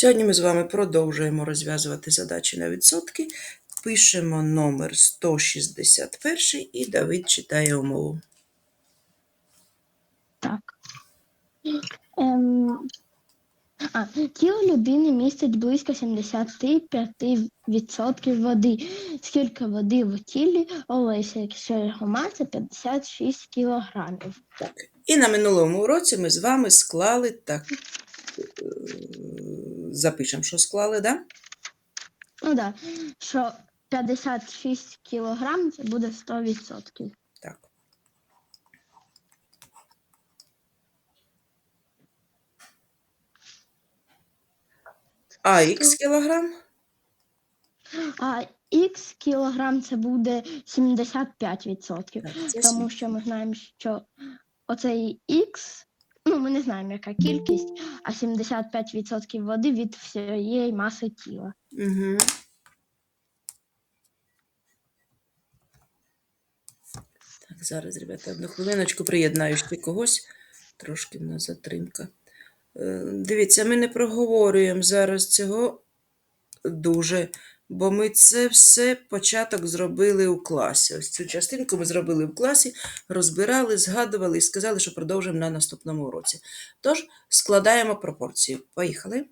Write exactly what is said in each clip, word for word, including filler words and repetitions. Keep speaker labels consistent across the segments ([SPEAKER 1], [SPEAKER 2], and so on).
[SPEAKER 1] Сьогодні ми з вами продовжуємо розв'язувати задачі на відсотки. Пишемо номер сто шістдесят один і Давид читає умову.
[SPEAKER 2] Так. Ем, а, тіло людини містить близько сімдесят п'ять відсотків води. Скільки води в тілі Олеся, якщо його маса п'ятдесят шість кілограмів?
[SPEAKER 1] Так. І на минулому уроці ми з вами склали так. Запишемо, що склали, так? Да?
[SPEAKER 2] Ну так, да, що п'ятдесят шість кілограм – це буде сто відсотків.
[SPEAKER 1] Так. А х кілограм?
[SPEAKER 2] А х кілограм – це буде сімдесят п'ять відсотків.
[SPEAKER 1] Так,
[SPEAKER 2] тому що ми знаємо, що оцей х, ну, ми не знаємо, яка кількість, а сімдесят п'ять відсотків води від всієї маси тіла.
[SPEAKER 1] Угу. Так, зараз, ребята, одну хвилиночку приєднаю ще когось. Трошки в нас затримка. Дивіться, ми не проговорюємо зараз цього дуже, бо ми це все початок зробили у класі. Ось цю частинку ми зробили в класі, розбирали, згадували і сказали, що продовжимо на наступному уроці. Тож, складаємо пропорцію. Поїхали.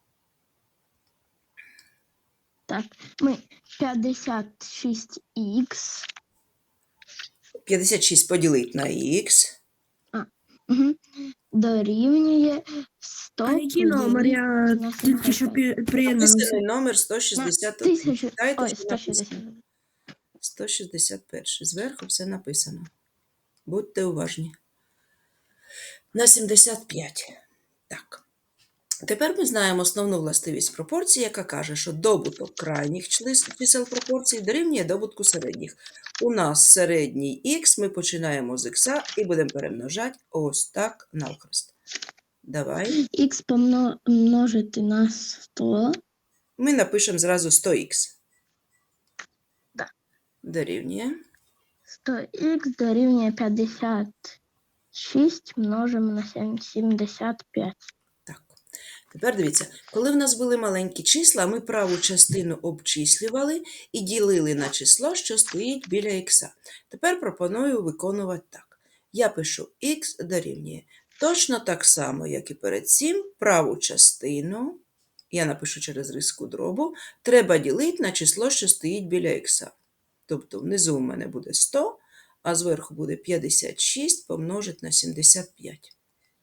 [SPEAKER 2] Так, ми п'ятдесят шість х.
[SPEAKER 1] п'ятдесят шість поділити на х.
[SPEAKER 2] А, угу. Дорівнює сто.
[SPEAKER 3] А який номер? Я тільки що приєднався.
[SPEAKER 1] Написаний номер сто шістдесят один.
[SPEAKER 2] Тисячу...
[SPEAKER 1] Читайте,
[SPEAKER 2] Ой,
[SPEAKER 1] що
[SPEAKER 2] сто шістдесят.
[SPEAKER 1] написано. сто шістдесят один. Зверху все написано. Будьте уважні. На сімдесят п'ять. Так. Тепер ми знаємо основну властивість пропорції, яка каже, що добуток крайніх чисел пропорцій дорівнює добутку середніх. У нас середній х, ми починаємо з х і будемо перемножати ось так навхрест. Давай.
[SPEAKER 2] Х помножити на сто.
[SPEAKER 1] Ми напишемо зразу сто х.
[SPEAKER 2] Да.
[SPEAKER 1] Дорівнює.
[SPEAKER 2] сто х дорівнює п'ятдесят шість множимо на сімдесят п'ять.
[SPEAKER 1] Так. Тепер дивіться, коли в нас були маленькі числа, ми праву частину обчислювали і ділили на число, що стоїть біля х. Тепер пропоную виконувати так. Я пишу х дорівнює. Точно так само, як і перед цим, праву частину, я напишу через риску дробу, треба ділити на число, що стоїть біля х. Тобто внизу у мене буде сто, а зверху буде п'ятдесят шість помножити на сімдесят п'ять.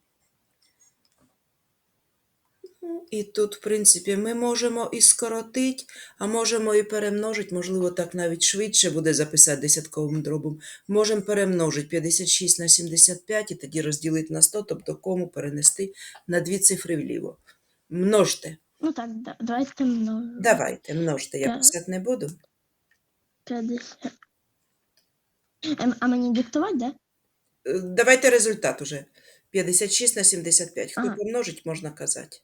[SPEAKER 1] І тут, в принципі, ми можемо і скоротити, а можемо і перемножити, можливо, так навіть швидше буде записати десятковим дробом. Можемо перемножити п'ятдесят шість на сімдесят п'ять і тоді розділити на сто, тобто кому перенести на дві цифри вліво. Множте.
[SPEAKER 2] Ну так, давайте множимо.
[SPEAKER 1] Давайте, множте, я писати не буду.
[SPEAKER 2] п'ятдесят. А мені диктувати, да?
[SPEAKER 1] Давайте результат уже. п'ятдесят шість на сімдесят п'ять. Хто
[SPEAKER 2] ага.
[SPEAKER 1] помножить, можна казати.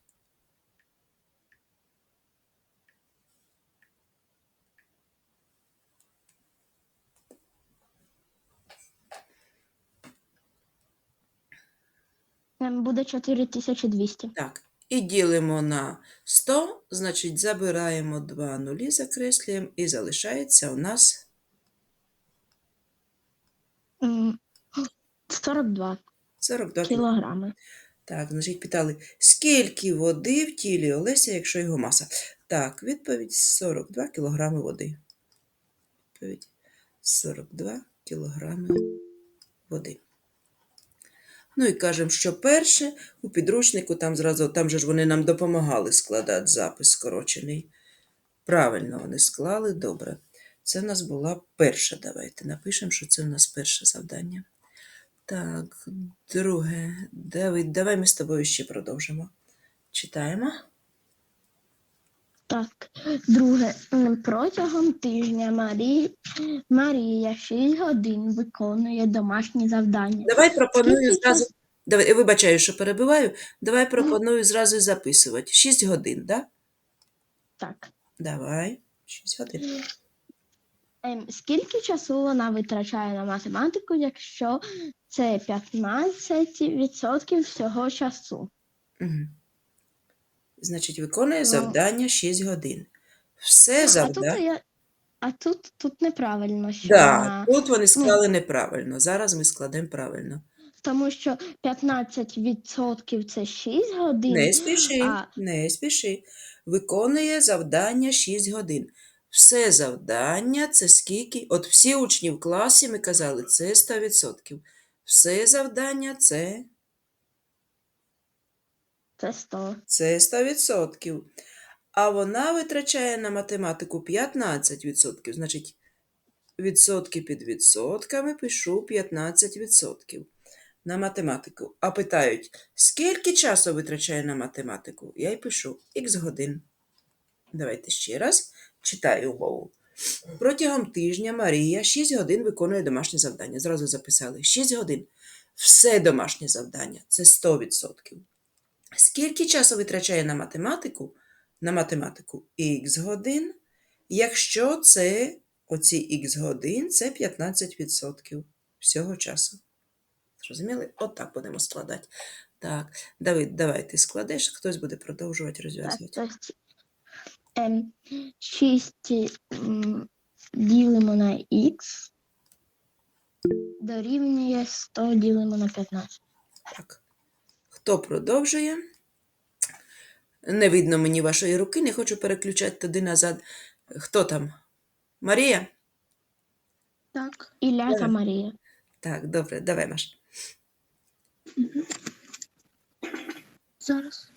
[SPEAKER 2] Буде чотири тисячі двісті.
[SPEAKER 1] Так, і ділимо на сто, значить забираємо два нулі, закреслюємо, і залишається у нас
[SPEAKER 2] сорок два.
[SPEAKER 1] сорок два
[SPEAKER 2] кілограми.
[SPEAKER 1] Так, значить питали, скільки води в тілі Олеся, якщо його маса? Так, відповідь сорок два кілограми води. Відповідь сорок два кілограми води. Ну і кажемо, що перше, у підручнику, там зразу, там же ж вони нам допомагали складати запис скорочений. Правильно вони склали, добре. Це в нас була перша, давайте напишемо, що це в нас перше завдання. Так, друге, Давид, давай ми з тобою ще продовжимо. Читаємо.
[SPEAKER 2] Так, друге, протягом тижня Марі... Марія шість годин виконує домашні завдання.
[SPEAKER 1] Давай пропоную
[SPEAKER 2] Скільки
[SPEAKER 1] зразу,
[SPEAKER 2] час...
[SPEAKER 1] давай, я вибачаю, що перебиваю, давай пропоную зразу записувати. шість годин, да?
[SPEAKER 2] Так.
[SPEAKER 1] Давай, шість годин.
[SPEAKER 2] Ем, скільки часу вона витрачає на математику, якщо це п'ятнадцять відсотків всього часу?
[SPEAKER 1] Угу. Значить, виконує
[SPEAKER 2] Ну.
[SPEAKER 1] завдання шість годин. Все
[SPEAKER 2] А тут
[SPEAKER 1] завдання.
[SPEAKER 2] я. А тут, тут неправильно, що
[SPEAKER 1] Да,
[SPEAKER 2] вона.
[SPEAKER 1] тут вони
[SPEAKER 2] Ну,
[SPEAKER 1] склали неправильно. Зараз ми складемо правильно.
[SPEAKER 2] тому що п'ятнадцять відсотків це шість годин,
[SPEAKER 1] Не спіши,
[SPEAKER 2] а
[SPEAKER 1] не спіши. Виконує завдання шість годин. Все завдання це скільки? От всі учні в класі ми казали, це сто відсотків. Все завдання це,
[SPEAKER 2] це сто.
[SPEAKER 1] це сто відсотків. А вона витрачає на математику п'ятнадцять відсотків. Значить, відсотки під відсотками пишу п'ятнадцять відсотків на математику. А питають, скільки часу витрачає на математику? Я й пишу х годин. Давайте ще раз читаю умову. Протягом тижня Марія шість годин виконує домашнє завдання. Зразу записали шість годин. Все домашнє завдання – це сто відсотків. Скільки часу витрачає на математику? На математику х годин, якщо це оці х годин – це п'ятнадцять відсотків всього часу. Зрозуміли? Отак будемо складати. Так, Давид, давай ти складеш, хтось буде продовжувати
[SPEAKER 2] Так,
[SPEAKER 1] розв'язувати.
[SPEAKER 2] тобто, ем, шість м, ділимо на х дорівнює сто ділимо на п'ятнадцять.
[SPEAKER 1] Так. Хто продовжує? Не видно мені вашої руки, не хочу переключати туди назад. Хто там? Марія?
[SPEAKER 3] Так.
[SPEAKER 2] Ілля та
[SPEAKER 1] Давай.
[SPEAKER 2] Марія.
[SPEAKER 1] Так, добре, давай, Маш.
[SPEAKER 3] Зараз.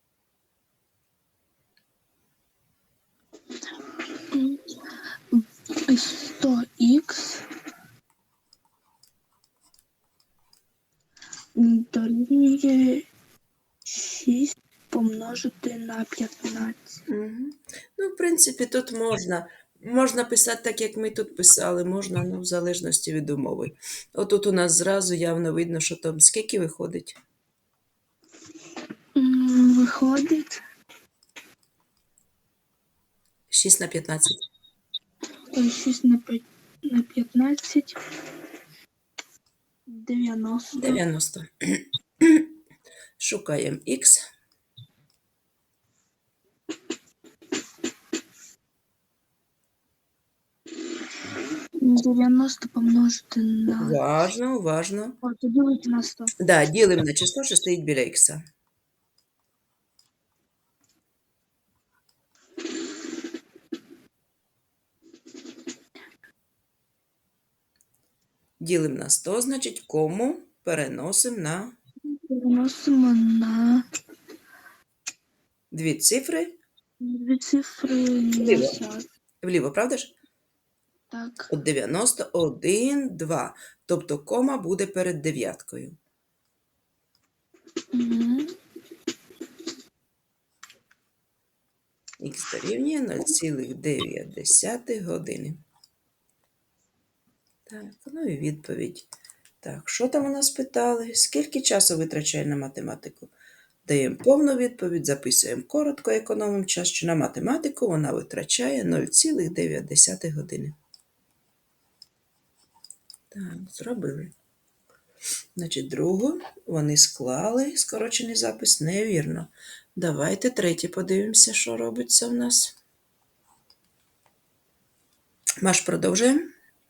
[SPEAKER 3] сто х дорівнює шість помножити на п'ятнадцять.
[SPEAKER 1] Угу. Ну, в принципі, тут можна. Можна писати так, як ми тут писали, можна, ну, в залежності від умови. Отут у нас зразу явно видно, що там скільки виходить.
[SPEAKER 3] М, Виходить
[SPEAKER 1] шість на п'ятнадцять.
[SPEAKER 3] ой, шість на п'ять- на п'ятнадцять. дев'яносто.
[SPEAKER 1] дев'яносто. Шукаємо х.
[SPEAKER 3] дев'яносто помножити на...
[SPEAKER 1] Уважно, уважно.
[SPEAKER 3] О, то ділити на сто.
[SPEAKER 1] Да, ділимо на число, що стоїть біля х. Ділимо на сто, значить, кому переносимо на
[SPEAKER 3] Переносимо на
[SPEAKER 1] дві цифри
[SPEAKER 3] дві цифри
[SPEAKER 1] Вліво.
[SPEAKER 3] назад.
[SPEAKER 1] вліво, правда ж?
[SPEAKER 3] Так.
[SPEAKER 1] От дев'яносто один, два. Тобто кома буде перед дев'яткою.
[SPEAKER 3] Угу.
[SPEAKER 1] Х дорівнює нуль цілих дев'ять години. Так, ну і відповідь. Так, що там у нас питали? Скільки часу витрачає на математику? Даємо повну відповідь, записуємо коротко, економимо час, що на математику вона витрачає нуль цілих дев'ять години. Так, зробили. Значить, другу вони склали, скорочений запис, невірно. Давайте третє подивимося, що робиться в нас. Маш, продовжуємо.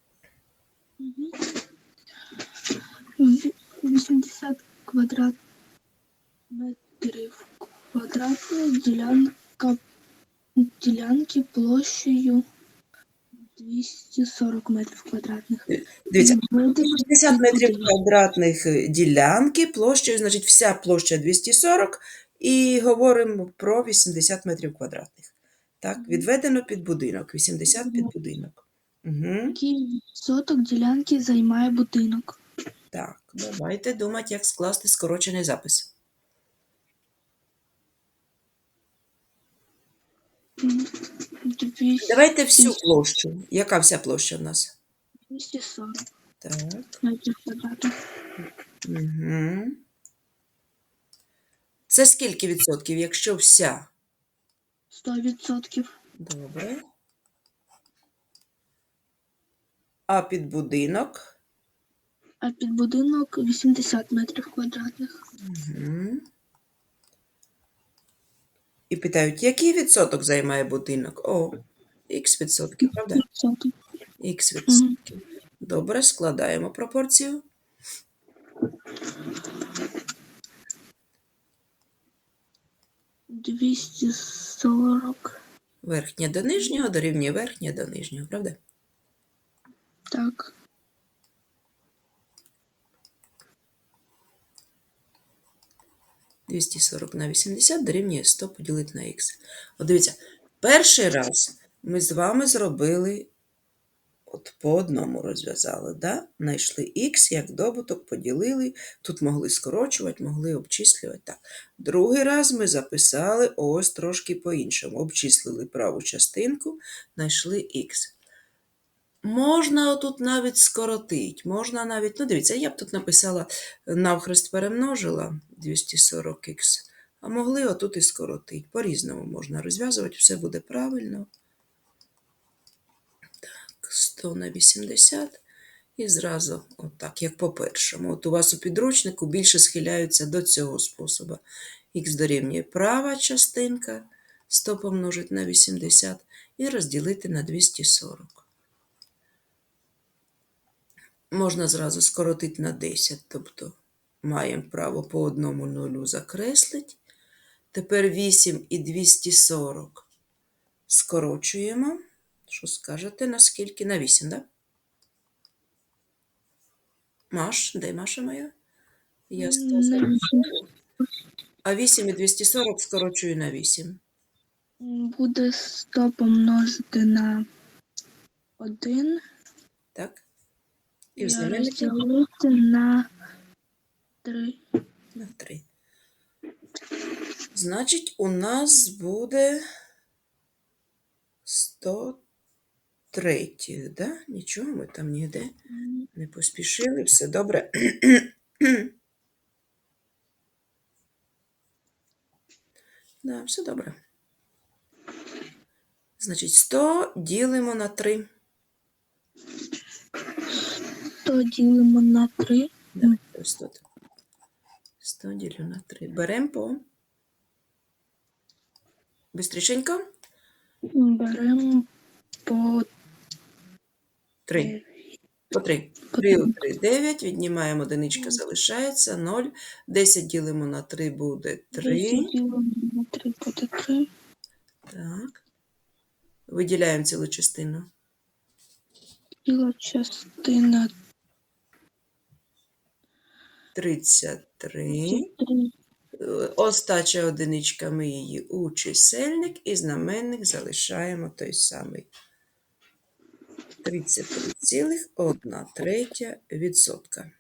[SPEAKER 3] вісімдесят квадрат метрів квадратних ділянка ділянки площею двісті сорок метрів квадратних.
[SPEAKER 1] Дивіться,
[SPEAKER 3] Відведено
[SPEAKER 1] шістдесят метрів
[SPEAKER 3] будинок.
[SPEAKER 1] квадратних ділянки площею, значить, вся площа двісті сорок, і говоримо про вісімдесят метрів квадратних. Так, відведено під будинок, вісімдесят під будинок. Угу.
[SPEAKER 3] Який відсоток ділянки займає будинок?
[SPEAKER 1] Так, давайте думати, як скласти скорочений запис.
[SPEAKER 3] двісті
[SPEAKER 1] Давайте всю площу. Яка вся площа в нас?
[SPEAKER 3] сорок
[SPEAKER 1] Так.
[SPEAKER 3] метрів квадратних.
[SPEAKER 1] Угу. Це скільки відсотків, якщо вся?
[SPEAKER 3] сто відсотків.
[SPEAKER 1] Добре. А під будинок?
[SPEAKER 3] А під будинок вісімдесят метрів квадратних.
[SPEAKER 1] Угу. І питають, який відсоток займає будинок? О, х відсотків, правда?
[SPEAKER 3] відсоток.
[SPEAKER 1] Х
[SPEAKER 3] Мгм.
[SPEAKER 1] відсотків. Добре, складаємо пропорцію.
[SPEAKER 3] двісті сорок.
[SPEAKER 1] Верхнє до нижнього дорівнює верхнє до нижнього, правда?
[SPEAKER 3] Так.
[SPEAKER 1] двісті сорок на вісімдесят дорівнює сто поділити на х. От дивіться, перший раз ми з вами зробили, от по одному розв'язали, да? Знайшли х як добуток, поділили, тут могли скорочувати, могли обчислювати. Так. Другий раз ми записали ось трошки по-іншому. Обчислили праву частинку, знайшли х. Можна отут навіть скоротити, можна навіть, ну дивіться, я б тут написала, навхрест перемножила двісті сорок х, а могли отут і скоротити. По-різному можна розв'язувати, все буде правильно. Так, сто на вісімдесят і зразу отак, як по-першому. От у вас у підручнику більше схиляються до цього способу. Х дорівнює права частинка, сто помножити на вісімдесят і розділити на двісті сорок. Можна зразу скоротити на десять, тобто маємо право по одному нулю закреслити. Тепер вісім і двісті сорок скорочуємо. Що скажете, наскільки? На вісім, так? Да? Маш, де Маша моя? Я сто
[SPEAKER 3] На
[SPEAKER 1] за-
[SPEAKER 3] вісім.
[SPEAKER 1] А вісім і двісті сорок скорочую на вісім.
[SPEAKER 3] Буде сто помножити на один
[SPEAKER 1] Так? І в
[SPEAKER 3] і
[SPEAKER 1] знаменнику
[SPEAKER 3] розділити на три.
[SPEAKER 1] на три. Значить, у нас буде сто три, да? Нічого ми там ніде не поспішили, все добре. Да, все добре. Значить, сто ділимо на три.
[SPEAKER 3] сто ділимо на три.
[SPEAKER 1] Давай, ось тут. сто ділю на три. Беремо по. Бистрішенько.
[SPEAKER 3] Беремо по
[SPEAKER 1] три. По три. три у три, дев'ять. Віднімаємо одиничка, залишається нуль. десять ділимо на три буде три.
[SPEAKER 3] десять ділимо на три буде три.
[SPEAKER 1] Так. Виділяємо цілу частину.
[SPEAKER 3] Ціла частина
[SPEAKER 1] тридцять три.
[SPEAKER 3] три.
[SPEAKER 1] Остача одиничка, ми її у чисельник і знаменник залишаємо той самий. тридцять три цілих одна третя відсотка.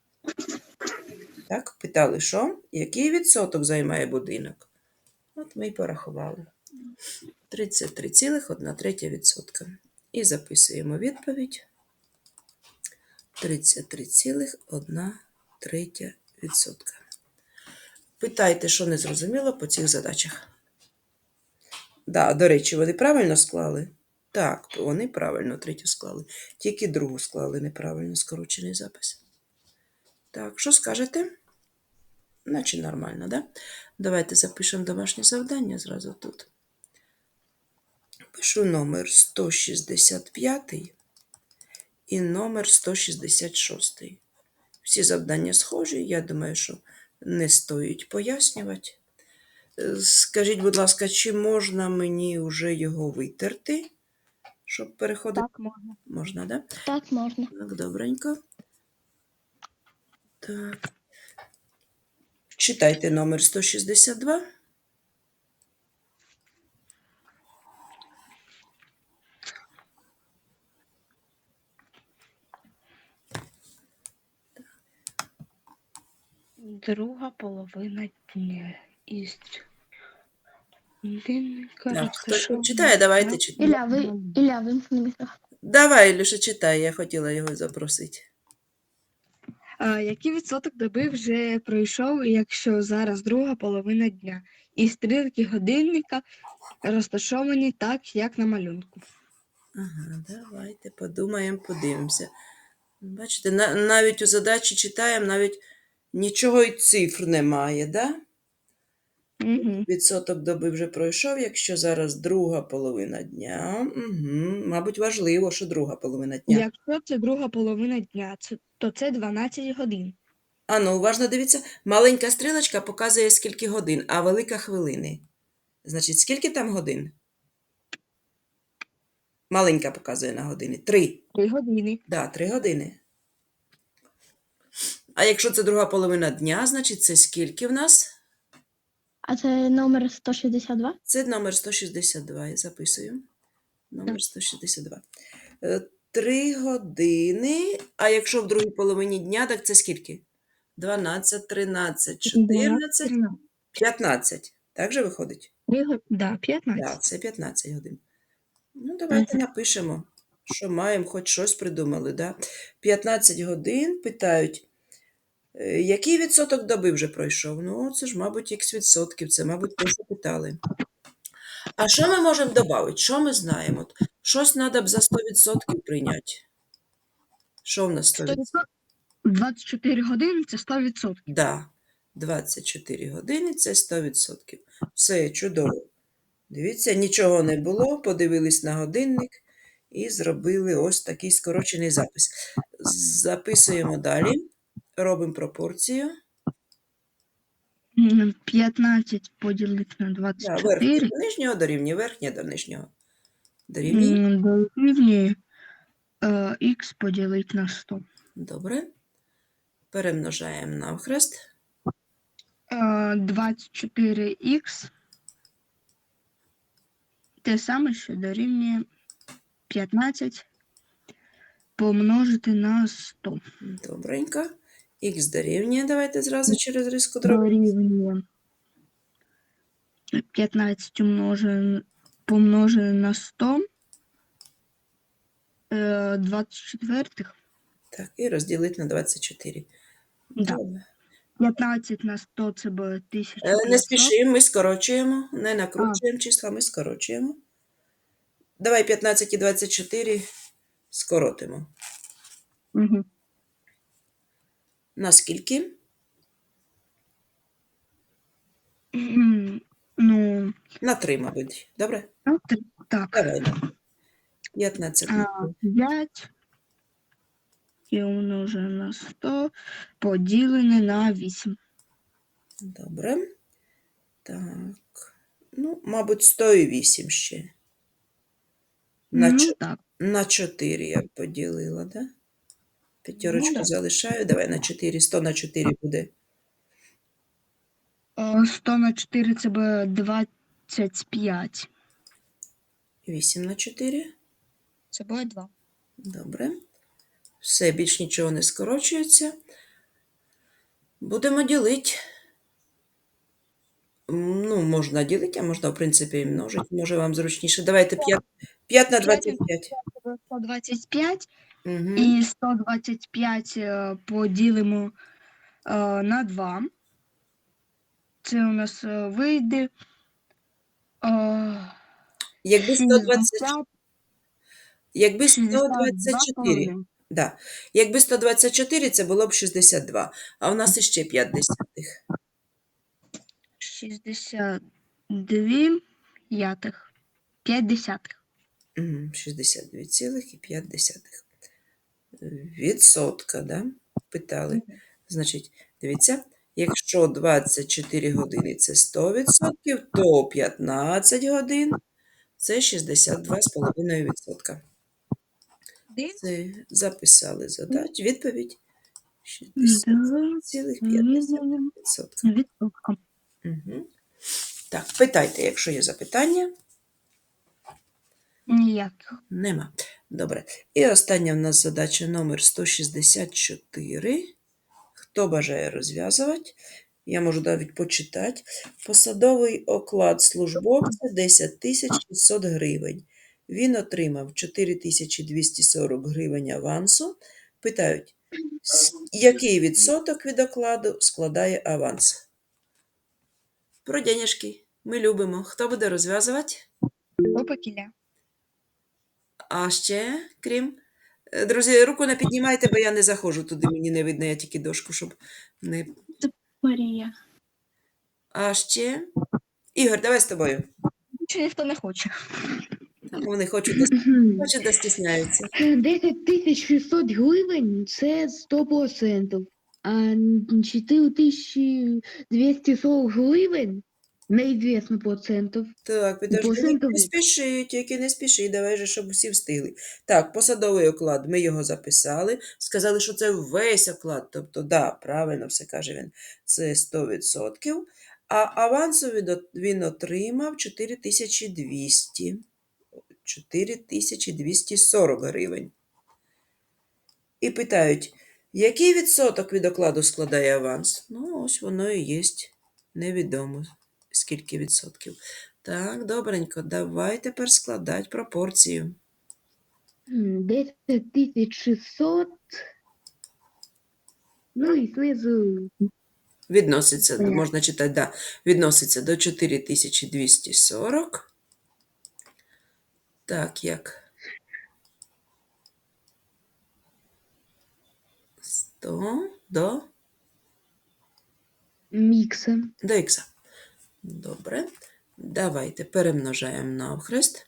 [SPEAKER 1] Так, питали, що? Який відсоток займає будинок? От ми й порахували. тридцять три цілих одна третя відсотка. І записуємо відповідь. тридцять три цілих одна третя відсотка. Питайте, що не зрозуміло по цих задачах. Да, до речі, вони правильно склали? Так, вони правильно третю склали. Тільки другу склали неправильно, скорочений запис. Так, що скажете? Наче нормально, да? Давайте запишемо домашнє завдання зразу тут. Пишу номер сто шістдесят п'ять і номер сто шістдесят шість. Всі завдання схожі, я думаю, що не стоїть пояснювати. Скажіть, будь ласка, чи можна мені вже його витерти, щоб переходити?
[SPEAKER 2] Так, можна.
[SPEAKER 1] Можна, да?
[SPEAKER 2] Так, можна.
[SPEAKER 1] Так, добренько. Так. Читайте номер сто шістдесят два.
[SPEAKER 4] Друга половина дня із годинника
[SPEAKER 1] Так, хто
[SPEAKER 4] розташована
[SPEAKER 1] читає, давайте
[SPEAKER 4] на-
[SPEAKER 1] читайте.
[SPEAKER 2] Ілля, ви, Ілля, вимкни мікрофон.
[SPEAKER 1] Давай, Ілюша, читай, я хотіла його запросити.
[SPEAKER 4] А, який відсоток доби вже пройшов, якщо зараз друга половина дня? І стрілки годинника розташовані так, як на малюнку.
[SPEAKER 1] Ага, давайте подумаємо, подивимося. Бачите, на, навіть у задачі читаємо, навіть нічого і цифр немає, да?
[SPEAKER 4] Угу.
[SPEAKER 1] Відсоток доби вже пройшов, якщо зараз друга половина дня. Угу. Мабуть, важливо, що друга половина дня.
[SPEAKER 4] Якщо це друга половина дня, це, то це дванадцять годин.
[SPEAKER 1] Ану, уважно дивіться, маленька стрілочка показує скільки годин, а велика хвилини. Значить, скільки там годин? Маленька показує на години. Три.
[SPEAKER 4] Три години.
[SPEAKER 1] Да, три години. А якщо це друга половина дня, значить це скільки в нас?
[SPEAKER 2] А це номер сто шістдесят два?
[SPEAKER 1] Це номер сто шістдесят два, я записую. Номер сто шістдесят два. Е, Три години, а якщо в другій половині дня, так це скільки? дванадцять, тринадцять, чотирнадцять, п'ятнадцять. Так же виходить?
[SPEAKER 4] Три го- Да,
[SPEAKER 1] Так,
[SPEAKER 4] п'ятнадцять.
[SPEAKER 1] це п'ятнадцять годин. Ну, давайте
[SPEAKER 4] Мгм.
[SPEAKER 1] напишемо, що маємо, хоч щось придумали. Да? п'ятнадцять годин питають, е, який відсоток доби вже пройшов? Ну, це ж, мабуть, ікс відсотків, це, мабуть, те, що питали. А що ми можемо додати? Що ми знаємо? От щось треба б за сто відсотків прийняти. Що в нас сто відсотків?
[SPEAKER 4] двадцять чотири години це сто відсотків.
[SPEAKER 1] Да, двадцять чотири години – це сто відсотків. Все, чудово. Дивіться, нічого не було, подивились на годинник і зробили ось такий скорочений запис. Записуємо далі, робимо пропорцію.
[SPEAKER 4] М, п'ятнадцять поділити на
[SPEAKER 1] Да,
[SPEAKER 4] двадцять
[SPEAKER 1] верхнє
[SPEAKER 4] чотири
[SPEAKER 1] до нижнього дорівнює, верхнє до нижнього дорівнює.
[SPEAKER 4] м, дорівнює е, х поділити на сто.
[SPEAKER 1] Добре. Перемножаємо навхрест.
[SPEAKER 4] Е, двадцять чотири х те саме, що дорівнює п'ятнадцять помножити на сто.
[SPEAKER 1] Добренько. Х дорівнює, давайте зразу через риску дробу.
[SPEAKER 4] Дорівнює п'ятнадцять умножене, помножене на сто. Е, двадцять четвертих.
[SPEAKER 1] Так, і розділити на двадцять чотири.
[SPEAKER 4] Да.
[SPEAKER 1] Добре.
[SPEAKER 4] п'ятнадцять на сто це буде тисяча
[SPEAKER 1] Е, Не
[SPEAKER 4] п'ятсот.
[SPEAKER 1] спішимо, ми скорочуємо, не накручуємо числа, ми скорочуємо. Давай п'ятнадцять і двадцять чотири скоротимо.
[SPEAKER 4] Угу.
[SPEAKER 1] На скільки?
[SPEAKER 4] Ну,
[SPEAKER 1] На три, мабуть. Добре?
[SPEAKER 4] а, т- так.
[SPEAKER 1] Давай. п'ятнадцять.
[SPEAKER 4] А, п'ять і умножене на сто поділене на вісім.
[SPEAKER 1] Добре. Так. Ну, мабуть, сто і вісім ще. На,
[SPEAKER 4] Ну,
[SPEAKER 1] чо-
[SPEAKER 4] так.
[SPEAKER 1] на чотири я б поділила, да? П'ятерочку
[SPEAKER 4] Ну, да.
[SPEAKER 1] залишаю. Давай на чотири. сто на чотири буде.
[SPEAKER 4] Е, сто на чотири це буде двадцять п'ять.
[SPEAKER 1] вісім на чотири.
[SPEAKER 4] Це буде два.
[SPEAKER 1] Добре. Все, більш нічого не скорочується. Будемо ділити. М, Ну, можна ділити, а можна, в принципі, і множити. Може, вам зручніше. Давайте п'ять, п'ять на двадцять п'ять.
[SPEAKER 4] сто двадцять п'ять
[SPEAKER 1] Угу.
[SPEAKER 4] і сто двадцять п'ять е, поділимо е, на два. Це у нас е, вийде е,
[SPEAKER 1] Якби сто двадцять,
[SPEAKER 4] шістдесят,
[SPEAKER 1] якби сто
[SPEAKER 4] шістдесят
[SPEAKER 1] двадцять
[SPEAKER 4] два
[SPEAKER 1] чотири,
[SPEAKER 4] половиною.
[SPEAKER 1] да. Якби сто двадцять чотири, це було б шістдесят два. А в нас іще п'ять десятих.
[SPEAKER 4] шістдесят два п'ятих. п'ять десятих.
[SPEAKER 1] Мгм, шістдесят два цілих п'ять десятих. Відсотка, да? Питали. Значить, дивіться, якщо двадцять чотири години – це сто відсотків, то п'ятнадцять годин – це шістдесят два цілих п'ять десятих відсотка. Це записали задачу. Відповідь шістдесят цілих п'ять десятих відсотка.
[SPEAKER 4] Відсотка.
[SPEAKER 1] Угу. Так, питайте, якщо є запитання.
[SPEAKER 4] Ніяких.
[SPEAKER 1] Нема. Добре. І остання в нас задача номер сто шістдесят чотири. Хто бажає розв'язувати? Я можу навіть почитати. Посадовий оклад службовця десять тисяч шістсот гривень. Він отримав чотири тисячі двісті сорок гривень авансу. Питають, с- який відсоток від окладу складає аванс? Про денежки. Ми любимо. Хто буде розв'язувати?
[SPEAKER 4] Опакіля.
[SPEAKER 1] А ще, крім. Е, Друзі, руку не піднімайте, бо я не заходжу туди, мені не видно, я тільки дошку, щоб не.
[SPEAKER 2] Марія.
[SPEAKER 1] А ще Ігор, давай з тобою.
[SPEAKER 4] Чи ніхто не хоче.
[SPEAKER 1] Там вони хочуть, да, хочуть, да стісняються.
[SPEAKER 5] десять тисяч шістсот гривень – це сто відсотків, а чотири тисячі двісті сорок гривень – неізвісно процентів.
[SPEAKER 1] Так, підожди,
[SPEAKER 5] Процентів.
[SPEAKER 1] не спіши, тільки не спіши, давай же, щоб усі встигли. Так, посадовий оклад, ми його записали, сказали, що це весь оклад, тобто, да, правильно все каже він, це сто відсотків, а авансу він от- він отримав чотири тисячі двісті, чотири тисячі двісті сорок гривень. І питають, який відсоток від окладу складає аванс? Ну, ось воно і є, невідомо, скільки відсотків. Так, добренько, давай тепер складати пропорцію.
[SPEAKER 5] М, десять тисяч шістсот. Ну і знизу
[SPEAKER 1] Відноситься,
[SPEAKER 5] Понятно.
[SPEAKER 1] можна читати, да, відноситься до чотири тисячі двісті сорок. Так, як? сто до,
[SPEAKER 5] мікса.
[SPEAKER 1] до ікса. Добре. Давайте перемножаємо навхрест.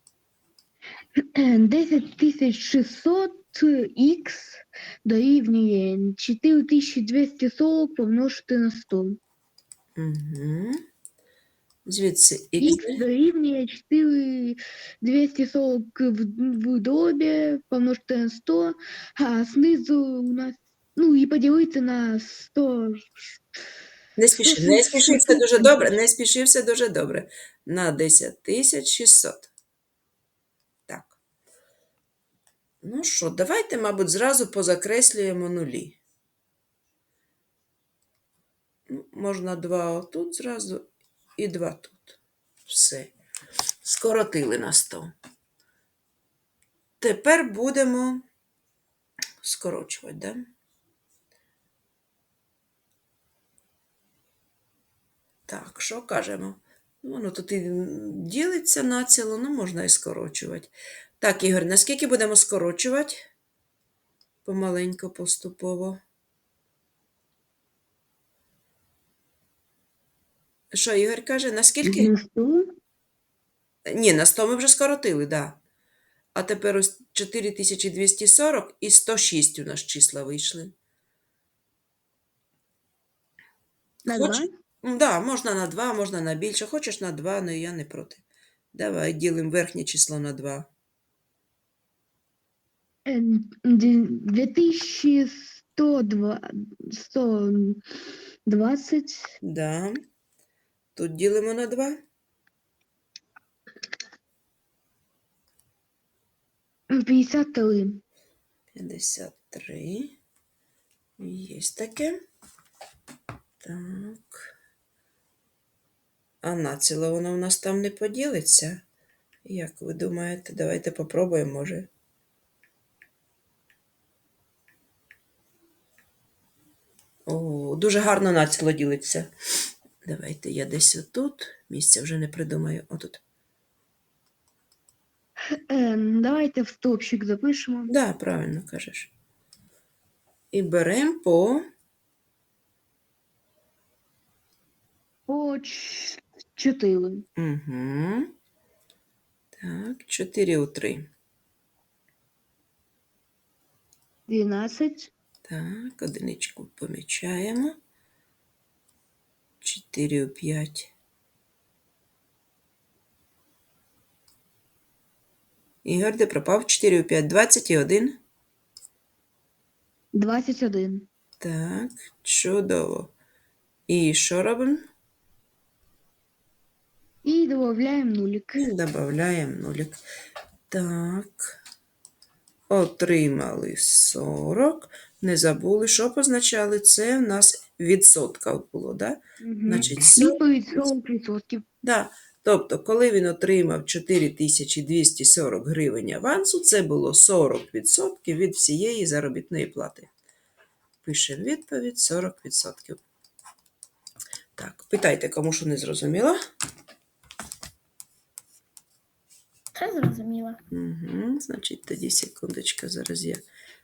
[SPEAKER 5] десять тисяч шістсот х дорівнює чотири тисячі двісті сорок помножити на сто.
[SPEAKER 1] Угу. Звідси х.
[SPEAKER 5] Х дорівнює чотири тисячі двісті сорок в, в дробі помножити на сто, а знизу у нас, ну і поділити на сто.
[SPEAKER 1] Не спіши, не спіши, все дуже добре, не спіши, все дуже добре. На десять тисяч шістсот. Так. Ну що, давайте, мабуть, зразу позакреслюємо нулі. Ну, можна два отут зразу і два тут. Все. Скоротили на сто. Тепер будемо скорочувати, да? Так, що кажемо? Ну, воно тут і ділиться націло, ну можна і скорочувати. Так, Ігор, наскільки будемо скорочувати? Помаленько, поступово. Що, Ігор каже, наскільки?
[SPEAKER 5] На сто.
[SPEAKER 1] Ні, на сто ми вже скоротили, так. Да. А тепер ось чотири тисячі двісті сорок і сто шість у нас числа вийшли.
[SPEAKER 5] На
[SPEAKER 1] Хоч...
[SPEAKER 5] два.
[SPEAKER 1] Так, да, можна на два, можна на більше. Хочеш на два, але я не проти. Давай ділимо верхнє число на два.
[SPEAKER 5] Е, д- дві тисячі сто два- сто двадцять.
[SPEAKER 1] Да. Тут ділимо на два.
[SPEAKER 5] п'ятдесят три.
[SPEAKER 1] п'ятдесят три. Є таке. Так. А націло воно у нас там не поділиться. Як ви думаєте? Давайте попробуємо, може. О, дуже гарно націло ділиться. Давайте я десь отут. Місця вже не придумаю. Отут.
[SPEAKER 5] Е, давайте в стопчик запишемо.
[SPEAKER 1] Да, правильно кажеш. І беремо по
[SPEAKER 5] По ч- чотири.
[SPEAKER 1] Угу. Так, чотири у три.
[SPEAKER 5] дванадцять.
[SPEAKER 1] Так, одиничку помічаємо. чотири у п'ять. Ігор, де пропав? чотири у п'ять, двадцять один.
[SPEAKER 5] двадцять один.
[SPEAKER 1] Так, чудово. І що робимо?
[SPEAKER 5] І додаємо нулик.
[SPEAKER 1] І додаємо нулик. Так. Отримали сорок. Не забули, що позначали? Це в нас відсотка було, да?
[SPEAKER 5] Угу.
[SPEAKER 1] Значить, сорок.
[SPEAKER 5] Відповідь сорок відсотків.
[SPEAKER 1] Да. Тобто, коли він отримав чотири тисячі двісті сорок гривень авансу, це було сорок відсотків від всієї заробітної плати. Пишемо відповідь сорок відсотків. Так, питайте, кому що не зрозуміло.
[SPEAKER 2] Це зрозуміло.
[SPEAKER 1] Угу, значить, тоді секундочка, зараз я